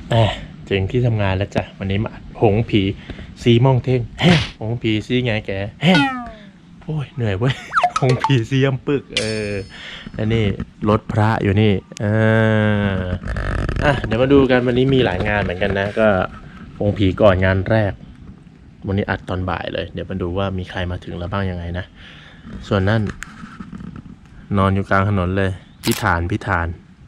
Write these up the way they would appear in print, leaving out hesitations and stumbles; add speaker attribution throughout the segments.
Speaker 1: ถึงที่ทำงานแล้วจ้ะวันนี้มาหงผีซีม่องเท่งหงผีซีไงแกโอ้ยเหนื่อยเว้ยหงผีซีย่ำปึกแล้วนี่รถพระอยู่นี่เดี๋ยวมาดูกันวันนี้มีหลายงานเหมือนกันนะก็หงผีก่อนงานแรกวันนี้อัดตอนบ่ายเลยเดี๋ยวมาดูว่ามีใครมาถึงแล้วบ้างยังไงนะส่วนนั่นนอนอยู่กลางถนนเลยพิธาน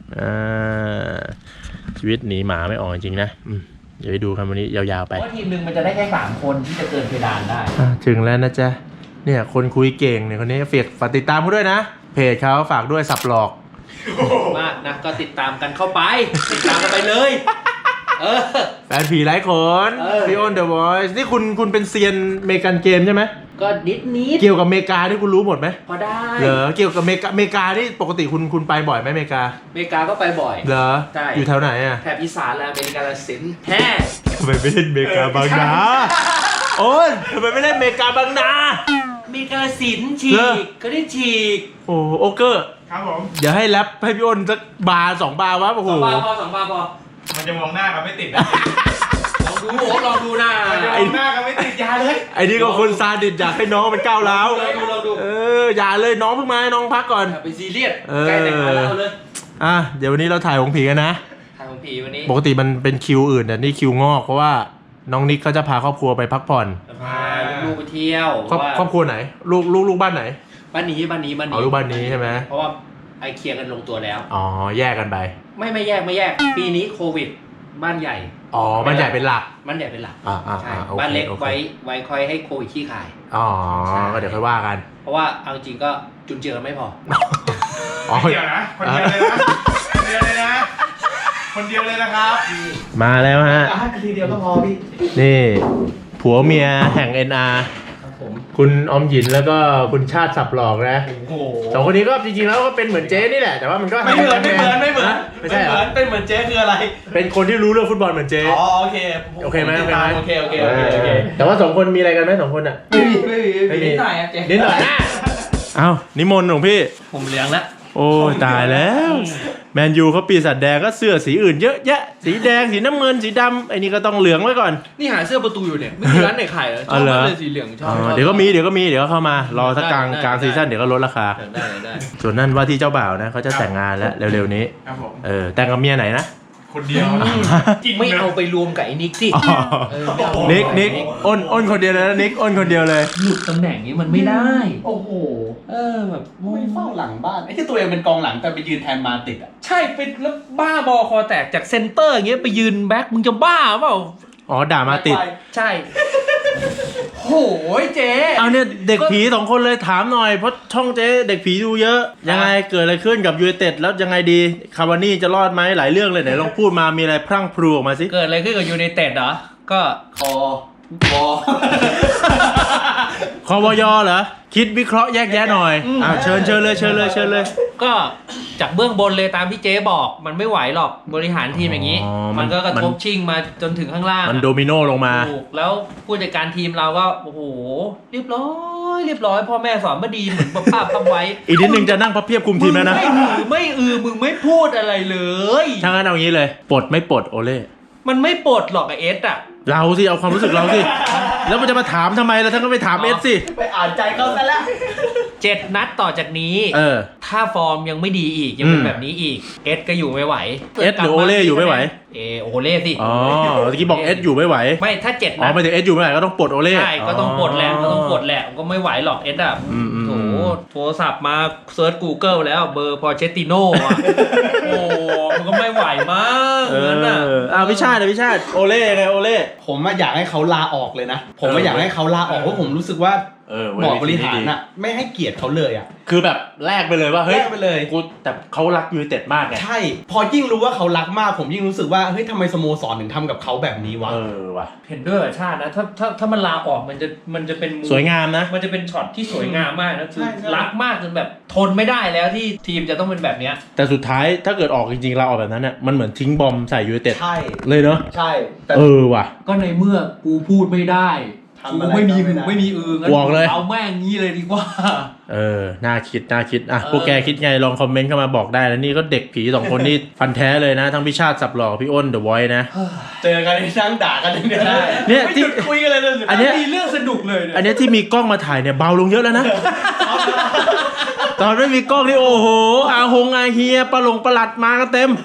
Speaker 1: ชีวิตหนีหมาไม่ออกจริงนะเดี๋ยวไปดูกันวันนี้ยาวๆไป
Speaker 2: เพราะทีมหนึ่งมันจะได้แค่3 คนที่จะเกินเพดานได้
Speaker 1: ถึงแล้วนะจ๊ะเนี่ยคนคุยเก่งเนี่ยคนนี้ฝากติดตามเขาด้วยนะเพจเขาฝากด้วยสับหลอก
Speaker 2: มากนะก็ติดตามกันเข้าไปติดตามกันไปเลย
Speaker 1: แฟนผีหลายคนพี่อ้น The Voice นี่คุณเป็นเซียนเมกันเกมใช่ไหม
Speaker 2: ก็นิด
Speaker 1: เกี่ยวกับเมกาที่คุณรู้หมดไหม
Speaker 2: พอได้
Speaker 1: เหรอเกี่ยวกับเมกานี่ปกติคุณไปบ่อยไหมเมกา
Speaker 2: ก็ไปบ่อย
Speaker 1: เหรอ
Speaker 2: ใช่
Speaker 1: อยู่แถวไหนอ่ะ
Speaker 2: แถบอีสานและอเมริกาละสิน
Speaker 1: ทำไมไม่เล่นเมกาบางนาโอ้ยทำไมไม่เล่นเมกาบางนา
Speaker 2: เมกาละสินฉีกก็ได้ฉีก
Speaker 1: โอเกอร์
Speaker 3: ครับผม
Speaker 1: เดี๋ยวให้แรปให้พี่อ้นสักบาร์2 บาร์วะโอ้โห
Speaker 2: 2 บาร์พอ
Speaker 3: มันจะมองหน้ากันไม่ติดนะ
Speaker 2: ลองดูหน้า
Speaker 3: ไอ้หน้ากันไม่ติดยาเลย
Speaker 1: ไอ้นี่ก็คนซาดิสอยากให้น้องมันก้าวร้าว
Speaker 2: ลองดู
Speaker 1: อย่าเลยน้องเพิ่งมาน้องพักก่อน
Speaker 2: ไปซีเรียสใกล้แต่งงานแล้วเลย
Speaker 1: เดี๋ยววันนี้เราถ่ายของผีกันนะ
Speaker 2: ถ่ายของผีวันนี้
Speaker 1: ปกติมันเป็นคิวอื่นแต่นี่คิวงอกเพราะว่าน้องนิกเขาจะพาครอบครัวไปพักผ่อน
Speaker 2: พาลูกไปเที่ยว
Speaker 1: ครอบครัวไหนลูกบ้านไหน
Speaker 2: บ้านนี้
Speaker 1: ลูกบ้านนี้ใช่ไหม
Speaker 2: เพราะว่าไอเคลียร์กันลงตัวแล้ว
Speaker 1: แยกกันไป
Speaker 2: ไม่แยกปีนี้โควิดบ้านใหญ่
Speaker 1: บ้านใหญ่เป็นหลัก
Speaker 2: ใช่บ้านเล็กไว้คอยให้โควิดขี้ขาย
Speaker 1: ก็เดี๋ยวค่อยว่ากัน
Speaker 2: เพราะว่าเอาจริงก็จุนเจือไม่พอ
Speaker 3: เดียวนะคนเดียวเลยนะคนเดียวเลยนะครับ
Speaker 1: มาแล้วฮะ
Speaker 2: ทีเดียวก็พอพี่
Speaker 1: นี่ผัวเมียแห่ง NR คุณอมหยินแล้วก็คุณชาติสับหลอกนะสองคนนี้ก็จริงๆแล้วก็เป็นเหมือนเจ๊นี่แหละแต่ว่ามันก็
Speaker 3: ไม่เหมือน
Speaker 1: ไม่ใช่
Speaker 3: เป็นเหมือนเจ๊คืออะไร
Speaker 1: เป็นคนที่รู้เรื่องฟุตบอลเหมือนเจ๊
Speaker 3: โอเคไหม
Speaker 2: โอเค
Speaker 1: แต่ว่า2 คนมีอะไรกันไหม2 คนอ่ะ
Speaker 2: ไม่มีนิดหน่อยเจ๊
Speaker 1: นิดหน่อยนิมนต์ของพี่
Speaker 2: ผมเลี้ยงแล้ว
Speaker 1: โอ้ตายแล้วแมนยูเขาปีศาจแดงก็เสื้อสีอื่นเยอะแยะสีแดงสีน้ำเงินสีดำไอ้นี่ก็ต้องเหลืองไว้ก่อน
Speaker 2: นี่หาเสื้อประตูอยู่เนี่ยไม่มีร้านไหนขายเลยชอบเลยสีเหลืองชอบ
Speaker 1: เดี๋ยวก็มีเดี๋ยวเข้ามารอสักกลางซีซั่นเดี๋ยวก็ลดราคา
Speaker 2: ได้
Speaker 1: ส่วนนั้นว่าที่เจ้าบ่าวนะเขาจะแต่งงานแล้วเร็วๆนี้แต่งกับเมียไหนนะ
Speaker 3: คนเดียว
Speaker 2: ไม่เอาไปรวมกับไอ้นิกสิ
Speaker 1: นิกอ้นคนเดียวเลยนะนิกอ้นคนเดียวเลย
Speaker 2: หลุดตำแหน่งนี้มันไม่ได้
Speaker 3: โอ้โห
Speaker 2: แบบ
Speaker 3: ไม่เฝ้าหลังบ้านไอ้ที่ตัวเองเป็นกองหลังแต่ไปยืนแทนมาติดอ่ะ
Speaker 2: ใช่เป็นแล้วบ้าบอคอแตกจากเซนเตอร์อย่างเงี้ยไปยืนแบ็คมึงจะบ้าเปล่า
Speaker 1: ด่ามาติด
Speaker 2: ใช่โหยเจ๊
Speaker 1: เอาเนี่ยเด็กผี2 คนเลยถามหน่อยเพราะช่องเจ๊เด็กผีดูเยอะยังไงเกิดอะไรขึ้นกับยูไนเต็ดแล้วยังไงดีคาวานี่จะรอดไหมหลายเรื่องเลยไหนลองพูดมามีอะไรพรั่งพรูออกมาสิ
Speaker 2: เกิดอะไรขึ้นกับยูไนเต็ดเหรอก็
Speaker 3: คอ
Speaker 1: วอยเหรอคิดวิเคราะห์แยกแยะหน่อยเชิญเลย
Speaker 2: ก็จากเบื้องบนเลยตามที่เจ๊บอกมันไม่ไหวหรอกบริหารทีมอย่างนี้มันก็กระทบชิงมาจนถึงข้างล่าง
Speaker 1: มันโดมิโนลงมา
Speaker 2: แล้วผู้จัดการทีมเราก็โอ้โหเรียบร้อยพ่อแม่สอนมาดีเหมือนป้าทำไว้
Speaker 1: อีกนิดนึงจะนั่งพับเพียบคุมทีมแล้วนะ
Speaker 2: ไม่มึงไม่พูดอะไรเลย
Speaker 1: ถ้างั้นเอางี้เลยปลดไม่ปลดโอเล่
Speaker 2: มันไม่ปลดหรอกไอเอสอะ
Speaker 1: เราสิเอาความรู้สึกเราสิแล้วมันจะมาถามทำไมล่ะท่านก็ไปถามเอสสิ
Speaker 3: ไปอ่านใจเขาซะแล้ว
Speaker 2: 7 นัดต่อจากนี้ถ้าฟอร์มยังไม่ดีอีกยังเป็นแบบนี้อีกเอสก็อยู่ไม่ไหว
Speaker 1: เอสหรือโอเล่อยู่ไม่ไหว
Speaker 2: โอเล่สิ
Speaker 1: เมื่อกี้บอกเอสอยู่ไม่ไหว
Speaker 2: ไม่ถ้า7นัด
Speaker 1: ไม่ถึงเอสอยู่ไม่ไหวก็ต้องปลดโอเล่
Speaker 2: ใช่ก็ต้องปลดแหละก็ไม่ไหวหรอกเอสอะโทรศัพท์มาเซิร์ช Google แล้วเบอร์พอเชตติโน่โอ้มันก็ไม่ไหวมั้งงั้นน่ะ
Speaker 1: พิชาติโอเล่ไงโอเล่
Speaker 3: ผมอยากให้เขาลาออกเลยนะผมอยากให้เขาลาออกเพราะผมรู้สึกว่าบอร์ดบริหารอ่ะไม่ให้เกียรติเขาเลยอ่ะ
Speaker 1: คือแบบแลกไปเลยว่าเฮ้ย
Speaker 3: แลกไปเลย
Speaker 1: กูแต่เขารักยูไนเต็ดมากไง
Speaker 3: ใช่พอยิ่งรู้ว่าเขารักมากผมยิ่งรู้สึกว่าเฮ้ยทำไมสโมสรถึงทำกับเขาแบบนี้วะ
Speaker 1: ว่ะ
Speaker 2: เห็นด้วยชาตินะถ้ามันลาออกมันจะเป็น
Speaker 1: สวยงามนะ
Speaker 2: มันจะเป็นช็อตที่สวยงามมากนะคือรักมากจนแบบทนไม่ได้แล้วที่ทีมจะต้องเป็นแบบเนี้ย
Speaker 1: แต่สุดท้ายถ้าเกิดออกจริงๆลาออกแบบนั้นน่ะมันเหมือนทิ้งบอมใส่ยูไนเต็ด
Speaker 3: ใช่
Speaker 1: เลยเนาะ
Speaker 3: ใช่
Speaker 1: ว่ะ
Speaker 2: ก็ในเมื่อกูพูดไม่ได้
Speaker 3: ทำอะไร
Speaker 2: ไม่มี
Speaker 3: ก็
Speaker 2: หู
Speaker 3: ด้
Speaker 2: ไม่มีงั้น
Speaker 1: บอกเลย
Speaker 2: เอาแม่งงี้เลยดีกว่า
Speaker 1: น่าคิดอ่ะพวกแกคิดไงลองคอมเมนต์เข้ามาบอกได้นะนี่ก็เด็กผี2คนนี่ฟันแท้เลยนะทั้งพี่ชาติสับหล่อพี่อ้นเดอะไวท์นะ
Speaker 3: เจอกันนั่งด่ากันอย่างเดียว
Speaker 1: เนี่ย
Speaker 3: ไม่
Speaker 1: ที่
Speaker 3: หยุดคุยกันเลยเลย
Speaker 1: อันเนี้ย
Speaker 2: มีเรื่องสนุกเลยเนี่ย
Speaker 1: อันเนี้ยที่มีกล้องมาถ่ายเนี่ยเบาลงเยอะแล้วนะ ตอนไม่มีกล้องนี่โอ้โหอาเฮียปลาหลัดมากันเต็ม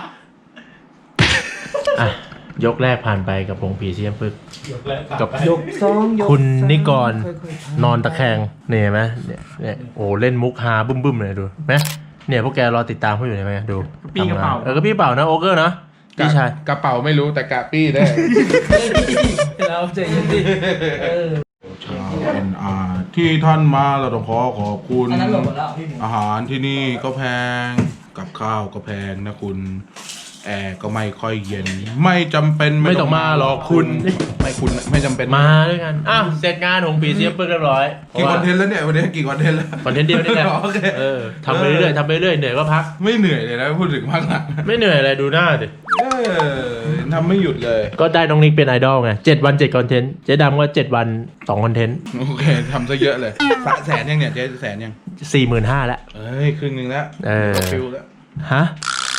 Speaker 1: อ่ะยกแรกผ่านไปกับวงผีเสียมปึกกับ
Speaker 2: ยกสองยก
Speaker 1: คุณนิกรนอนตะแคงเนี่ยเห็นไหมเนี่ยโอ้เล่นมุกฮาบึ้มเลยดูไหมเนี่ยพวกแกรอติดตามเขาอยู่ไหมดู
Speaker 2: ปี้กระเป๋า
Speaker 1: ก็พี่เป่านะโอเกอร์นะพี่ชาย
Speaker 4: กระเป๋าไม่รู้แต่กะปี้ได้
Speaker 2: เราใจเย็นดิ
Speaker 4: ชาว NR ที่ท่านมาเราต้องขอบคุณ
Speaker 2: อันนั้นหลบหมดแล้วพี่หมู
Speaker 4: อาหารที่นี่ก็แพงกับข้าวก็แพงนะคุณแอร์ก็ไม่ค่อยเย็น ไม่จำเป็น
Speaker 1: ไม่ต้องมาหรอกคุณ
Speaker 4: ไม่จำเป็น
Speaker 1: มาด้วยกันอ้าวเสร็จงานของผีเสียมปึกเรียบร้อย
Speaker 4: กี่คอนเทนต์แล้วเนี่ยวันนี้กี่คอนเทนต์แล้ว
Speaker 1: คอนเทนต์เดียวนี่แหละ
Speaker 4: โอเค
Speaker 1: ทำไปเรื่อยๆเหนื่อยก็พัก
Speaker 4: ไม่เหนื่อยเลยนะพูดถึงมากหนัก
Speaker 1: ไม่เหนื่อยอะไรดูหน้าดิ
Speaker 4: ทำไม่หยุดเลย
Speaker 1: ก็ได้น้องนิกเป็นไอดอลไง7 วัน7คอนเทนต์เจ๊ดำก็7 วัน2คอนเทนต์
Speaker 4: โอเคทำซะเยอะเลยแสนยังเนี่ยเจ๊แสนยัง
Speaker 1: 45,000แล้ว
Speaker 4: เอ้ยครึ่งหนึงแล้ว ฟิลแล้ว
Speaker 1: ฮะ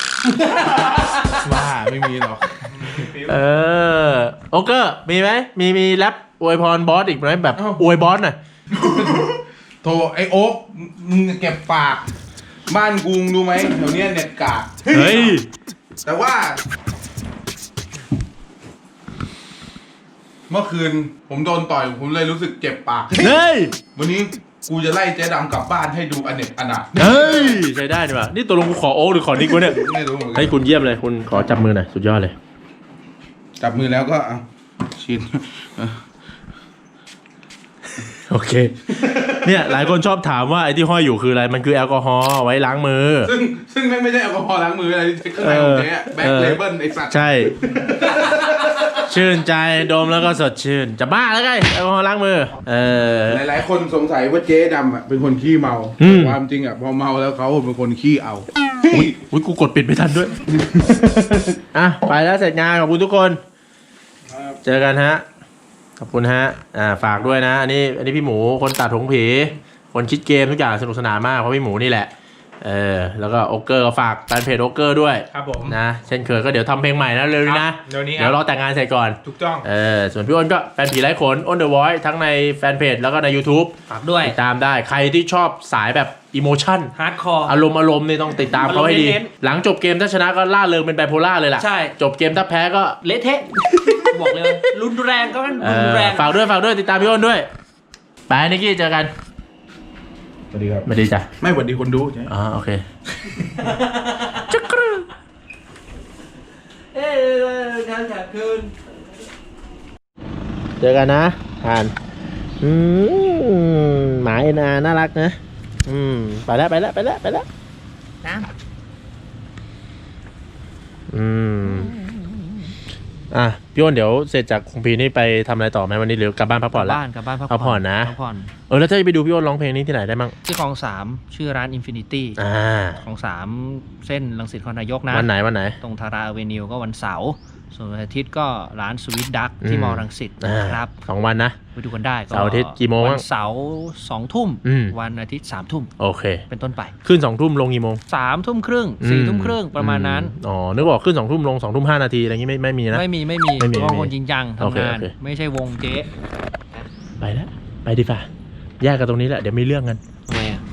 Speaker 4: ว่าไม่มีหรอก
Speaker 1: โอเกอร์มีไหมมีแรปอวยพรบอสอีกไหมแบบ
Speaker 4: อ้าว
Speaker 1: อวยบอสหน่อย
Speaker 4: โทรไอโอ๊กมึงเก็บปาก บ้านกูมึงรู้ไหมแถวเนี้ยเน็ตกาก
Speaker 1: เฮ้ย
Speaker 4: แต่ว่า เมื่อคืนผมโดนต่อยผมเลยรู้สึกเจ็บปาก
Speaker 1: เฮ้ย
Speaker 4: วันนี้กูจะไล่เจ๊ดำกลับบ้านให้ดูอเนกอนาถ
Speaker 1: เฮ้ยใช้ได้ดีว่ะนี่ตัวลงกูขอโอ๊กหรือขอนิกวะเนี่ย
Speaker 4: ไม่รู้เหมือนกั
Speaker 1: ให้คุณเยี่ยมเลยคุณขอจับมือหน่อยสุดยอดเลย
Speaker 4: จับมือแล้วก็เอาชิน
Speaker 1: โอเค เนี่ยหลายคนชอบถามว่าไอ้ที่ห้อยอยู่คืออะไรมันคือแอลกอฮอล์ไว้ล้างมือ
Speaker 4: ซึ่งไม่ใช่แอลกอฮอล์ล้างมืออะไรข้างในของเจ๊แบ็คเลเบิลไอสัตว์
Speaker 1: ใช่ ชื่นใจดมแล้วก็สดชื่นจะบ้าแล้วไงแอลกอฮอล์ล้างมือ
Speaker 4: หลายๆคนสงสัยว่าเจ๊ดำอ่ะเป็นคนขี้เมา
Speaker 1: อืม
Speaker 4: ความจริงอ่ะพอเมาแล้วเขาเป็นคนขี้เอา
Speaker 1: อุ้ยกูกดปิดไม่ทันด้วย อ่ะไปแล้วเสร็จงานขอบคุณทุกคน เจอกันฮะ ขอบคุณฮะ ฝากด้วยนะ อันนี้พี่หมูคนตัดหงผี คนคิดเกมทุกอย่างสนุกสนานมากเพราะพี่หมูนี่แหละ แล้วก็โอเกอร์ก็ฝากแฟนเพจโอเกอร์ด้วย
Speaker 2: ครับผม
Speaker 1: นะ เช่นเคยก็เดี๋ยวทำเพลงใหม่นะเร็วนี้นะ
Speaker 2: เดี๋ยวนี้
Speaker 1: เดี๋ยวรอแต่งงานเสร็จก่อน
Speaker 2: ถูกต้อง
Speaker 1: ส่วนพี่อ้นก็แฟนผีไร้ขนอ้นเดอะวอยทั้งในแฟนเพจแล้วก็ใน YouTube
Speaker 2: ฝากด้วย
Speaker 1: ติดตามได้ใครที่ชอบสายแบบอิโมชั่น
Speaker 2: ฮาร์ดคอร์
Speaker 1: อารมณ์นี่ต้องติดตามเขาให้ดี
Speaker 2: อารมณ์เน้น
Speaker 1: หลังจบเกมถ้าชนะก็ล่าเริงเป็นไบโพล่าเลยล่ะ
Speaker 2: ใช่
Speaker 1: จบเกมถ้าแพ้ก็
Speaker 2: เละเทะ บอกเลยรุนแรงก็มัน
Speaker 1: เอ
Speaker 2: รุน
Speaker 1: อ
Speaker 2: แรง
Speaker 1: ฝากด้วยติดตามพี่อ้นด้วยไปนิกกี้เจอกัน
Speaker 4: สวัสดีครับ
Speaker 1: ไม่ดีจ้ะ
Speaker 4: ไม่หวัดดีคนดูใช่
Speaker 1: อ๋อโอเค
Speaker 2: การจัดคืน
Speaker 1: เจอกันนะผ่านหมาเอ็นอาน่ารักนะไปแล้ว
Speaker 2: น้ำ
Speaker 1: พี่อ้นเดี๋ยวเสร็จจากคงพีนี่ไปทำอะไรต่อไหมวันนี้หรือกลับบ้านพักผ่อนแล้ว
Speaker 2: กลับบ้านพัก
Speaker 1: พักผ่อนนะ
Speaker 2: พักผ่อน
Speaker 1: แล้วถ้าจะไปดูพี่อ้นร้องเพลงนี้ที่ไหนได้มั่ง
Speaker 2: ที่คลอง 3 ชื่อร้าน Infinity คลอง 3 เส้นรังสิตนครนายกนะ
Speaker 1: วันไหน
Speaker 2: ตรงทาราเวนิวก็วันเสาร์ส่วนวันอาทิตย์ก็ร้านสวิตดักที่มอรังสิตนะครับ
Speaker 1: 2 วันนะ
Speaker 2: ไปดูกันได้
Speaker 1: เสาร์อาทิตย์กี่โมง
Speaker 2: วั
Speaker 1: บ้าง
Speaker 2: นเสาร์2 ทุ่ม วันอาทิตย์3 ทุ่ม
Speaker 1: โอเค
Speaker 2: เป็นต้นไป
Speaker 1: ขึ้น2 ทุ่มลงกี่โมง
Speaker 2: 3 ทุ่มครึ่ง4 ทุ่มครึ่งประมาณนั้น
Speaker 1: นึกบอกขึ้น2 ทุ่มลง2 ทุ่ม 5 นาทีอะไรอย่างงี้ไม่มีนะ
Speaker 2: ไม่มี
Speaker 1: ไม่มี
Speaker 2: เพราะคนจริงจัง
Speaker 1: โอเค
Speaker 2: ทำงาน
Speaker 1: โอเค
Speaker 2: ไม่ใช่วงเจ๊
Speaker 1: ไปแล้วไปดีฝ่าแยกกันตรงนี้แหละเดี๋ยวมีเรื่องกัน
Speaker 2: ทำไมอ่ะ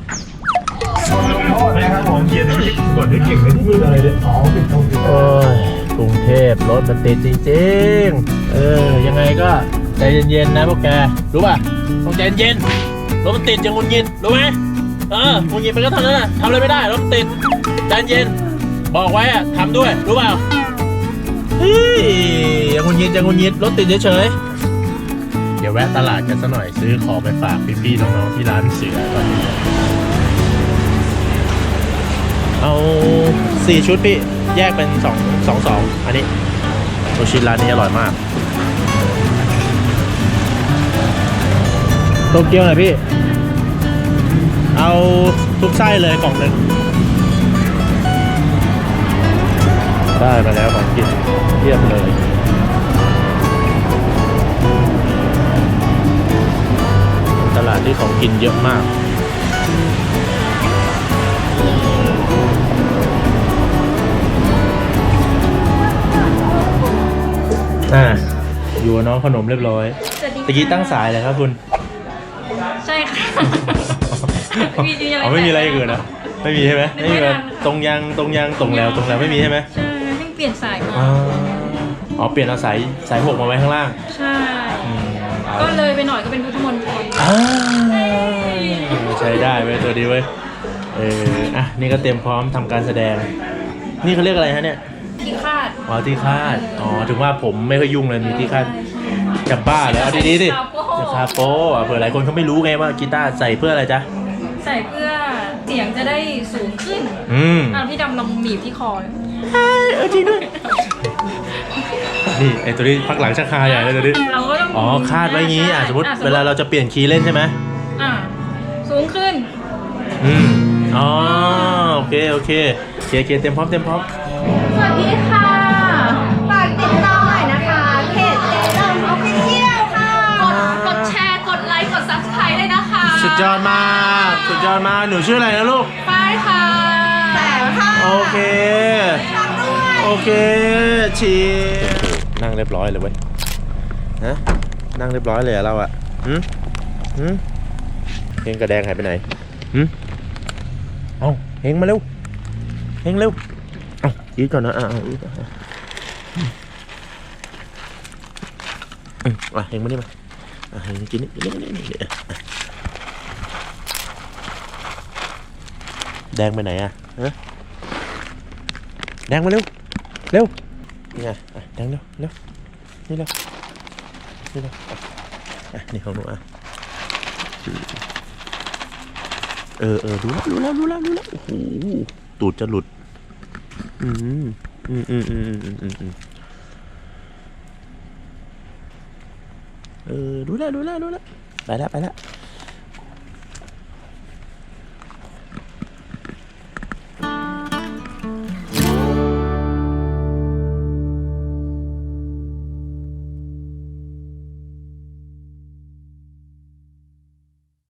Speaker 1: โอ้ยกรุงเทพรถมันติดจริงๆยังไงก็ใจเย็นๆนะพวกแกรู้ป่ะต้องใจเย็นรถมันติดอย่างงุนงิดรู้ไหมงุนงิดมันก็เท่านั้นน่ะทำอะไรไม่ได้รถมันติดใจเย็นบอกไว้อะทำด้วยรู้เปล่าอย่างงุนงิดรถติดเฉยๆเดี๋ยวแวะตลาดกันสักหน่อยซื้อของไปฝากพี่ๆน้องๆที่ร้านเสือก่อนเอา4 ชุดพี่แยกเป็น2 อันนี้โอชิร้านนี้อร่อยมากโตเกียวหน่อยพี่เอาทุกไส้เลยกล่องหนึ่งได้มาแล้วของกินเทียบเลยานที่ของกินเยอะมากอยู่กับน้องขนมเรียบร้อยตะกี้ตั้งสายเลยครับคุณ
Speaker 5: ใช่ค่ะ
Speaker 1: ไม่มีอะไรอื่นนะไม่มีใช่ไหมไม่มีแบบตรงยังตรงแล้วไม่มีใช่ไหม
Speaker 5: ใช่เพิ่งเปลี่ยนสายมา
Speaker 1: อ๋อเปลี่ยนเอาสาย6มาไว้ข้างล่าง
Speaker 5: ใช่ ก็เลยไปหน่อยก็เป็นพุทธมณฑล
Speaker 1: ใช้ได้เว้ยตัวดีเว้ยอ่ะนี่ก็เตรียมพร้อมทำการแสดงนี่เขาเรียกอะไรฮะเนี่ย
Speaker 5: ที่คาด
Speaker 1: อ๋อที่คาดถึงว่าผมไม่ค่อยยุ่งเลยมีที่คาดจะบ้าแล้วเอาดีๆดิจะคาโป้เผื่อหลายคนเขาไม่รู้ไงว่ากีตาร์ใส่เพื่ออะไรจ๊ะ
Speaker 5: ใส่เพื่อเสียงจะได้สูงขึ้นพี่ดำลองหนีบที่คอเลย
Speaker 1: จริงด้วยนี่ไอตัวนี้พักหลังชักคาใหญ่เลยตัวนี้
Speaker 5: เราก็ต้อง
Speaker 1: คาดไว้งี้สมมติเวลาเราจะเปลี่ยนคีย์เล่นใช่ไหม
Speaker 5: สูงขึ้น
Speaker 1: โอเคเตรียมพร้อม
Speaker 6: สวัสดีค่ะ ฝากติดตามหน่อยนะคะเพจเจเริ่มออฟฟิเชียลค่ะ
Speaker 5: กดแชร์ กดไลค์ กด subscribe เลยนะคะ
Speaker 1: สุดยอดมากหนูชื่ออะไรนะลูก
Speaker 5: ป้ายค่ะ
Speaker 6: แสงค่ะ
Speaker 1: โอเค
Speaker 6: ฝากด้วย
Speaker 1: โอเคชีนั่งเรียบร้อยเลยเว้ยนะนั่งเรียบร้อยเลยเราอะเฮงกระแดงหายไปไหนเอาเฮงมาเร็วเอาอีกก่อนนะอีกเฮงมานี่มาเฮงกินนี่แดงไปไหนอะแดงมาเร็วนี่ไงแดงเร็วนี่เร็วนี่ของหนูรู้แล้วโอ้โหตูดจะหลุดรู้แล้วไปแล้ว